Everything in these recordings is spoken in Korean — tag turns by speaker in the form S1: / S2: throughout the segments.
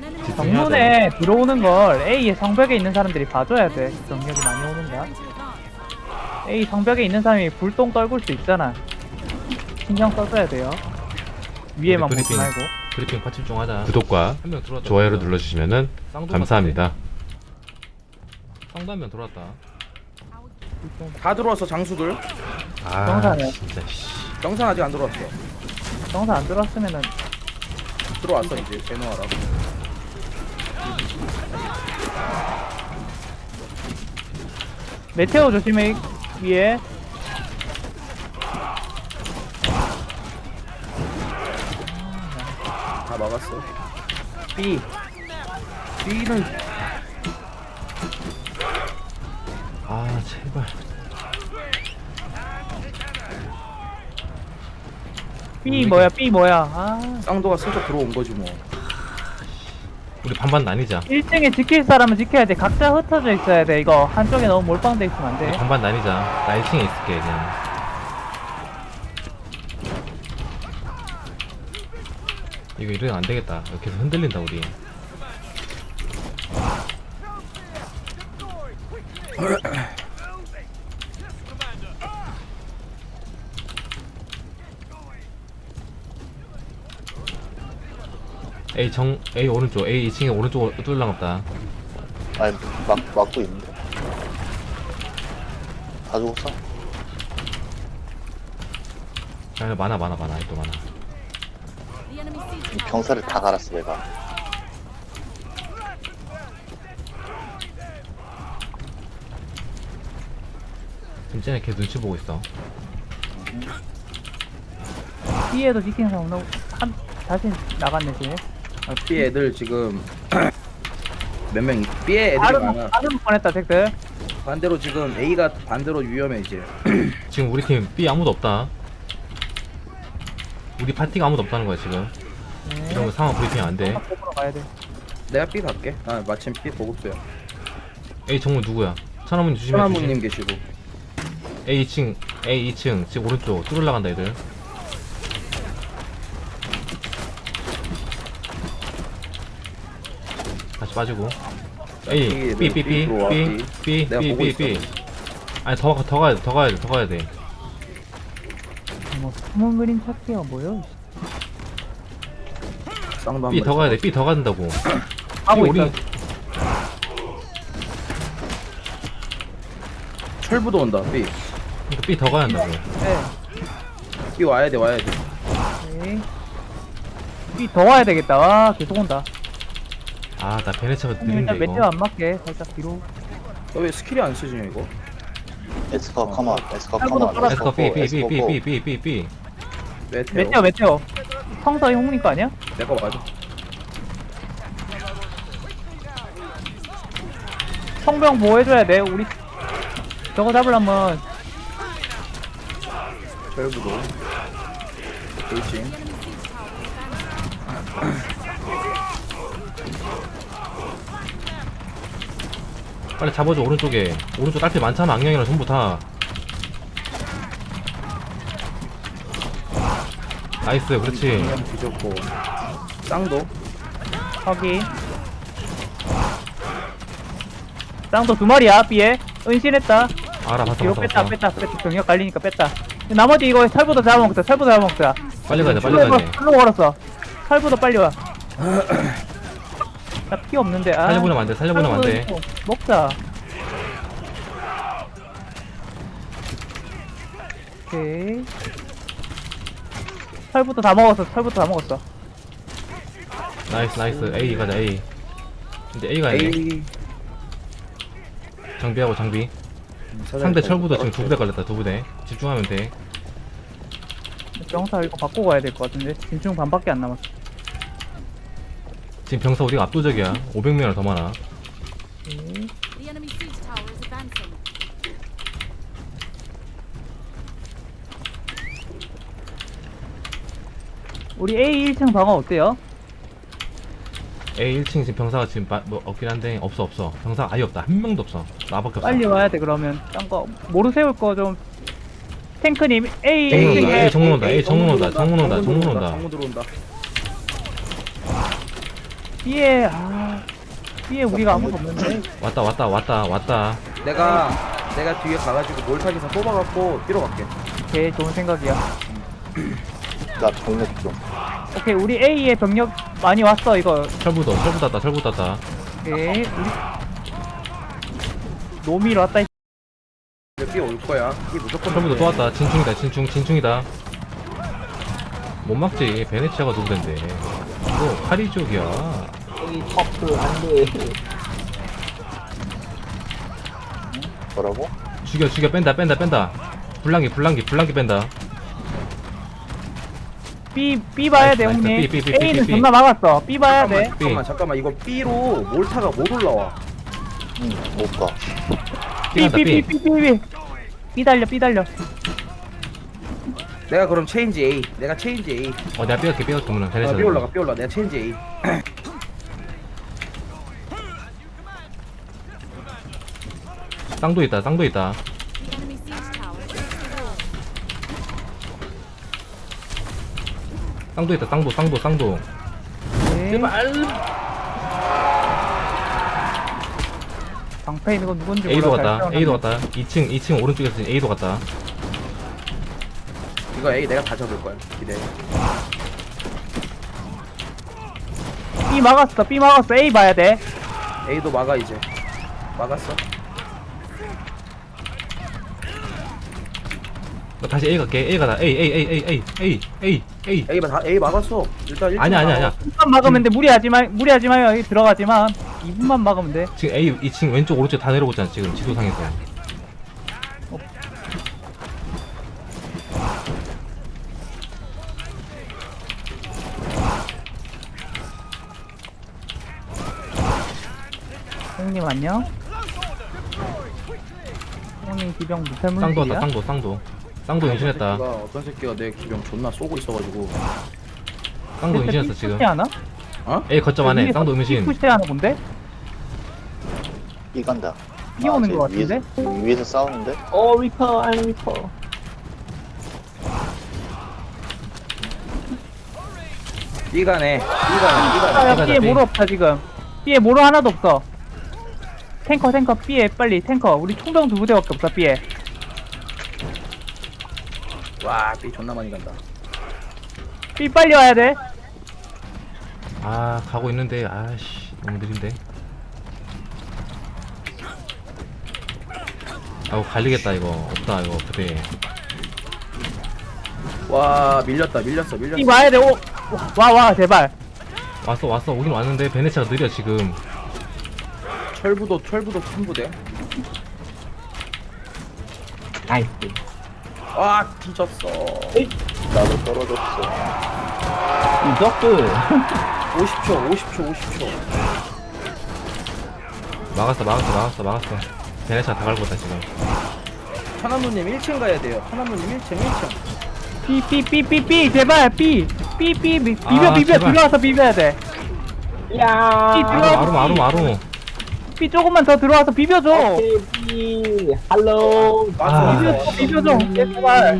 S1: 정문에 들어오는 걸 A의 성벽에 있는 사람들이 봐줘야 돼. 병력이 많이 오는가? A 성벽에 있는 사람이 불똥 떨굴 수 있잖아. 신경 써줘야 돼요. 위에만 보지
S2: 브리핑.
S1: 말고.
S2: 브리핑 파츠 중 하자. 구독과 좋아요를 눌러주시면은 감사합니다. 상담면 들어왔다.
S3: 다 들어왔어 장수들.
S2: 아
S1: 정산이요.
S2: 진짜 씨.
S3: 정산 아직 안 들어왔어.
S1: 정사 안 들어왔으면은
S3: 들어왔어 이제 제노하라.
S1: 메테오 조심해. 위에.
S3: 다 막았어. B. B는
S2: 아 제발.
S1: B 뭐야? B 뭐야? 아.
S3: 쌍도가 슬쩍 들어온 거지 뭐.
S2: 우리 반반 나뉘자.
S1: 1층에 지킬 사람은 지켜야 돼. 각자 흩어져 있어야 돼. 이거 한쪽에 너무 몰빵돼 있으면 안
S2: 우리
S1: 돼.
S2: 반반 나뉘자. 나 1층에 있을게 그냥. 이거 이러면 안 되겠다. 계속 흔들린다 우리. A 오른쪽, A 2층에 오른쪽 뚫랑 없다.
S4: 아니 막고 있는데 다 죽었어?
S2: 야, 많아, 또 많아.
S4: 이 병사를 다 갈았어 내가.
S2: 지금 쟤네 걔 눈치 보고 있어.
S1: B에도 지키는 사람 너무 다시 나갔네 지금.
S3: B 애들 지금 몇 명? B에 애들이 많아.
S1: 다른 뻔했다 잭들.
S3: 반대로 지금 A가 반대로 위험해 이제.
S2: 지금 우리 팀 B 아무도 없다. 우리 파티가 아무도 없다는 거야 지금. 이런 거 상황 브리핑 안 돼.
S1: 보러 가야 돼.
S3: 내가 B 갈게. 아 마침 B 보급소야.
S2: A 정문 누구야? 천하문 조심해.
S3: 천하무님 계시고.
S2: A 2층 지금 오른쪽 뚫으려 간다 애들. 다시 빠지고. A B B B
S3: 들어와,
S2: B
S3: B.
S2: B
S3: 내가
S2: B
S3: 보고
S2: B B. 아니 더 가야 돼.
S1: 뭐 숨은 그림 찾기가 뭐야?
S3: 쌍도
S2: B
S3: 한
S2: 더
S3: 번.
S2: 가야 돼. B 더 간다고.
S1: 하고
S2: 우리
S1: 있어.
S3: 철부도 온다. B.
S2: 그러니까 B 더 가야 한다고.
S1: 네.
S3: B 와야 돼.
S1: 오케이. B 더 와야 되겠다. 와 계속 온다.
S2: 아 나 베네차가 느린데
S1: 일단
S2: 이거.
S1: 메테오 안 맞게 살짝 뒤로.
S3: 너 왜 스킬이 안 쓰지냐 이거?
S4: 에스커 컴온 에스커
S1: 팔보다
S4: 컴온
S1: 빨았어.
S2: 에스커 B B B B B B B B.
S1: 메테오. 성서희 홍님 거 아니야?
S3: 내가 맞아.
S1: 성병 보호해줘야 돼. 우리 저거 잡으려면
S3: 철부도. 돌진.
S2: 빨리 잡아줘 오른쪽에. 오른쪽 딸피 많잖아. 악령이랑 전부 다. 나이스 그렇지.
S3: 그냥 뒤졌고. 쌍도.
S1: 거기 쌍도 두 마리야. B에 은신했다.
S2: 알아 봤어
S1: 뒤로
S2: 봤어.
S1: 뺐다. 병력 갈리니까 뺐다. 나머지 이거 살보다 잡아먹자.
S2: 빨리 가야 돼 빨리 가야 돼.
S1: 풀로 걸었어. 살보다 빨리 와. 나 피 없는데. 아.
S2: 살려보내면 안 돼. 살려보내면 안 돼.
S1: 살보다 먹자. 오케이. 살부터 다 먹었어.
S2: 나이스 A 가자 A. 근데 A 가야 돼.
S3: A.
S2: 장비하고 장비. 상대 철부도 지금 두 부대 걸렸다. 두 부대. 집중하면 돼.
S1: 병사 이거 바꾸고 가야 될 것 같은데. 진충 반밖에 안 남았어.
S2: 지금 병사 우리가 압도적이야. 500명이나 더 많아.
S1: 오케이.
S5: The enemy siege tower is advancing.
S1: 우리 A 1층 방어 어때요?
S2: A 1층 지금 병사가 지금 뭐 없긴 한데 없어. 병사 아예 없다. 한 명도 없어. 나밖에 없어.
S1: 빨리 와야 돼 그러면. 딴거 모르세울 거 좀. 탱크님 A
S2: 정문 온다.
S1: 1층에
S2: A 정문 온다. 정문 온다.
S3: 정문 들어온다.
S1: B에 B에 우리가 아무도 없는데.
S2: 왔다.
S3: 내가 뒤에 가가지고 몰타기사 뽑아갖고 뛰러 갈게.
S1: 오케이, 좋은 생각이야.
S4: 나 병력 좀.
S1: 오케이, 우리 A에 병력 많이 왔어. 이거.
S2: 철부 땄다.
S1: 오케이, 우리 노미로 왔다.
S3: B 올 거야. B 무조건.
S2: 철부도
S3: 올
S2: 또
S3: 거야.
S2: 왔다. 진충이다. 못 막지. 베네치아가 누구던데. 이거 카리족이야.
S4: 뭐라고?
S2: 죽여 뺀다. 불랑기 뺀다.
S1: B 봐야 돼,
S2: 나이스,
S1: 형님.
S2: B, B, B,
S1: A는
S2: B.
S1: 존나 막았어. B 봐야 돼.
S3: 잠깐만. 이거 B로 몰타가 못 올라와.
S4: 응, 못 가.
S1: B
S2: 삐간다.
S1: B 달려.
S3: 내가 그럼 체인지 A. 내가 체인지 A.
S2: 내가 삐갈게 그러면 베네치아.
S3: B 올라가. 내가 체인지 A.
S2: 쌍도 있다.
S5: The enemy siege tower is the wall.
S2: 쌍도 있다. 쌍도.
S1: 제발. 방패 있는 건 누군지
S2: A도
S1: 몰라.
S2: 갔다. 2층 오른쪽에서 A도 갔다.
S3: 이거 A 내가 다 잡을 거야. 기대.
S1: B 막았어. A 봐야 돼.
S3: A도 막아 이제. 막았어.
S2: 다시 A 갈게. A 가다. A.
S3: A 막았어. 일단
S2: 아니야.
S1: 2분만 막으면 돼. 무리하지 마요. 여기 들어가지 마. 2분만 막으면 돼.
S2: 지금 A 2층 왼쪽 오른쪽 다 내려오고 있잖아. 지금 지도상에서.
S1: 형님 안녕. 형님 기병
S2: 쌍도
S1: 무쇠물질이야?
S2: 왔다. 쌍도 임신했다.
S3: 어떤 새끼가 내 기병 존나 쏘고 있어가지고.
S2: 쌍도 임신했어 지금.
S1: 하나?
S3: 어?
S2: A 거점 안에 쌍도 임신.
S1: 푸시하는 건데?
S4: B 간다.
S1: B 오는
S4: 쟤
S1: 거 같은데?
S4: 위에서 싸우는데?
S3: B가네.
S1: 야,
S2: 가자,
S1: B에
S2: B.
S1: 모로 없다 지금. B에 모로 하나도 없어. 탱커 B에 빨리 탱커. 우리 총병 2부대밖에 없어 B에.
S3: 와, B 존나 많이 간다.
S1: B 빨리 와야 돼.
S2: 가고 있는데 아씨 너무 느린데. 갈리겠다 이거. 없다 이거 부대.
S3: 와, 밀렸어.
S1: B 와야 돼. 오. 와 제발.
S2: 왔어 오긴 왔는데 베네치아가 느려 지금.
S3: 철부도 큰 부대.
S6: 나이스.
S3: 와, 뒤졌어.
S4: 나도 떨어졌어.
S6: 이적들.
S3: 50초.
S2: 막았어. 베네치아 다 갈고 있다 지금.
S3: 천안누님 1층 가야 돼요. 천안누님 1층.
S1: B 제발 B 비벼
S2: 제발.
S1: 들어와서 비벼야 돼.
S6: 야.
S1: B 들어와.
S2: 아루.
S1: B 조금만 더 들어와서 비벼줘.
S6: 오케이. 할로.
S1: 비벼줘. 제발.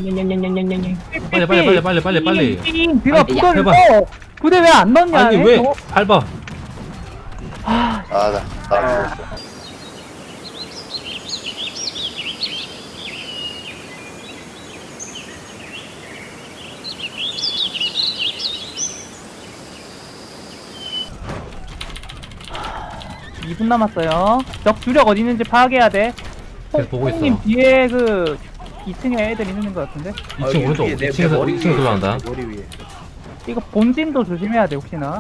S2: 빨리.
S1: 들어
S2: 아니,
S1: 부대
S2: 제발.
S1: 넣어. 부대 왜 안 넣냐?
S2: 아니 왜 밟아?
S4: 나 죽었어.
S1: 이 2분 남았어요. 적 주력 어디 있는지 파악해야 돼.
S2: 계속 보고 있어.
S1: 형님 뒤에 그 2층에 애들 있는 것 같은데.
S2: 2층 오른쪽 2층에서 들어간다.
S3: 머리 위에.
S1: 이거 본진도 조심해야 돼 혹시나.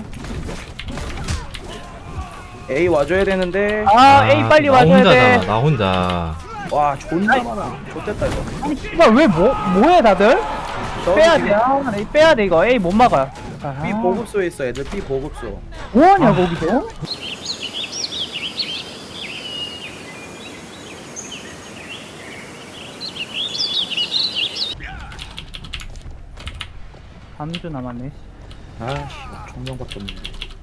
S3: A 와줘야 되는데.
S1: A 빨리
S2: 나
S1: 와줘야
S2: 혼자잖아.
S1: 돼.
S2: 나 혼자.
S3: 와, 존나 많아. 좋됐다 이거.
S1: 아니 씨발 왜 뭐해 다들?
S3: 저기
S1: 빼야 돼. 빼야 돼 이거. A 못 막아.
S3: B 보급소에 있어 애들. B 보급소.
S1: 뭐하냐 거기서? 잠주 남았네.
S3: 아씨, 총명밖에 없는데.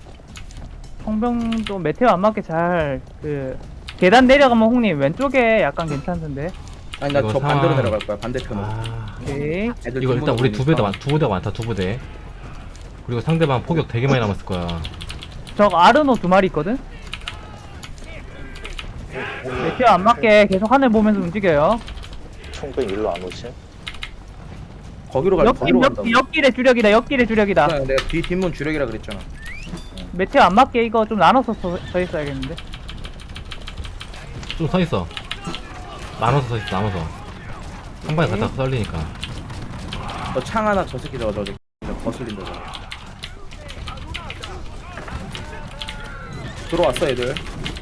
S1: 성병도 메테오 안 맞게 잘 그 계단 내려가면 홍님 왼쪽에 약간 괜찮던데.
S3: 아니 나
S2: 이거
S3: 저 반대로
S2: 상황-
S3: 내려갈 거야. 반대편으로.
S1: 오케이.
S3: 애들
S2: 이거 일단 우리 두
S3: 뒷문으로
S2: 부대가 많다. 두 부대가 많다. 두 부대. 그리고 상대방 포격 되게 많이 남았을 거야.
S1: 저 아르노 2마리 있거든? 메테오 안 맞게 계속 하늘 보면서 움직여요.
S4: 총병 일로 안 오지?
S3: 거기로 갈 거기로 간다고.
S1: 옆길의 주력이다, 옆길의 주력이다.
S3: 그냥 내가 뒷문 주력이라 그랬잖아.
S1: 메테오 안 맞게 이거 좀 나눠서 서 있어야겠는데.
S2: 좀 서있어. 나눠서 서있어, 나눠서. 한 방에 갖다가 썰리니까.
S3: 저 창 하나 저 새끼 저거 거슬린다 저거. 들어왔어 애들.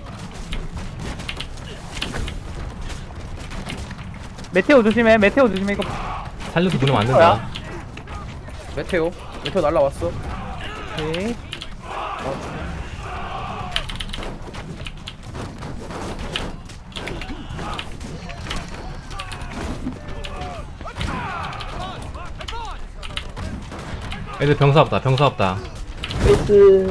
S1: 메테오 조심해, 메테오 조심해. 이거
S2: 살려서 보내면 안 된다.
S3: 메테오 날라왔어.
S1: 오케이.
S2: 애들 병사 없다, 병사 없다.
S6: 베이스.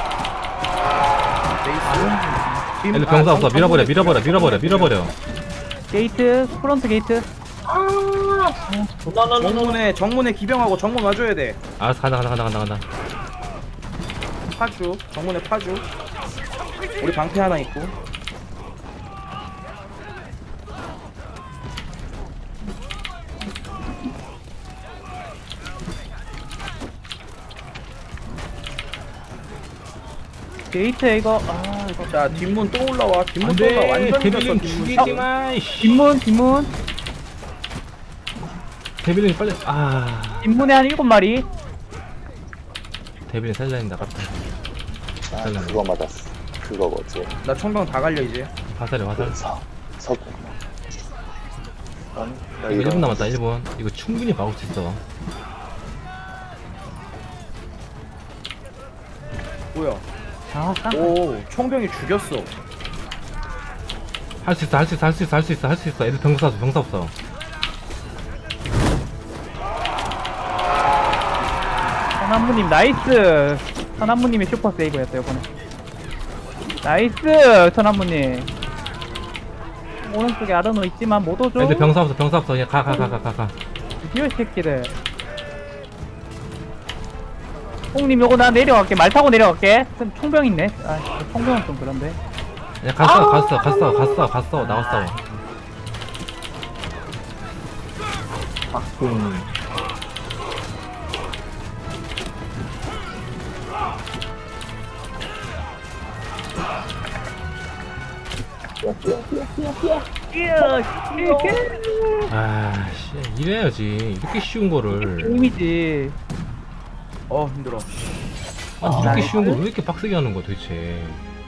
S3: 베이스.
S2: 애들 병사 없어. 밀어버려.
S1: 게이트, 프론트 게이트.
S3: 정문에 기병하고 정문 와줘야 돼.
S2: 알았어, 간다.
S3: 파주 정문에 파주. 우리 방패 하나 있고.
S1: 게이트 이거, 이거.
S3: 자 뒷문 또 올라와. 뒷문
S2: 안
S3: 또 올라와.
S2: 돼,
S3: 완전
S2: 데빌린
S3: 늦었어 뒷문.
S2: 죽이지 마, 이씨.
S1: 뒷문.
S2: 데빌린 빨리,
S1: 뒷문에 한 7마리.
S2: 데빌린 살려야 된다, 아깝다.
S4: 아,
S2: 잘랐네.
S4: 그거 맞았어. 그거 뭐지?
S3: 나 총병 다 갈려 이제.
S2: 화살해.
S4: 서구. 아니, 나
S2: 이거
S4: 이런
S2: 1분 남았다, 1분. 이거 충분히 막을 수 있어.
S3: 뭐야?
S1: 아,
S3: 오 총병이 죽였어.
S2: 할 수 있어. 애들 병사 없어.
S1: 선한무님 나이스. 선한무님의 슈퍼 세이브였어요 이번에. 나이스 선한무님. 오른쪽에 아르노 있지만 못 오죠.
S2: 애들 병사 없어. 그냥 가.
S1: 드디어 새끼들. 홍님 요거 나 내려갈게. 말 타고 내려갈게. 총병 있네. 총병은 좀 그런데.
S2: 그냥 갔어. 나왔어. 씨, 이래야지. 이렇게 쉬운 거를.
S1: 게임이지.
S3: 힘들어.
S2: 아니, 이렇게 쉬운 걸 왜 이렇게 빡세게 하는 거야, 도대체.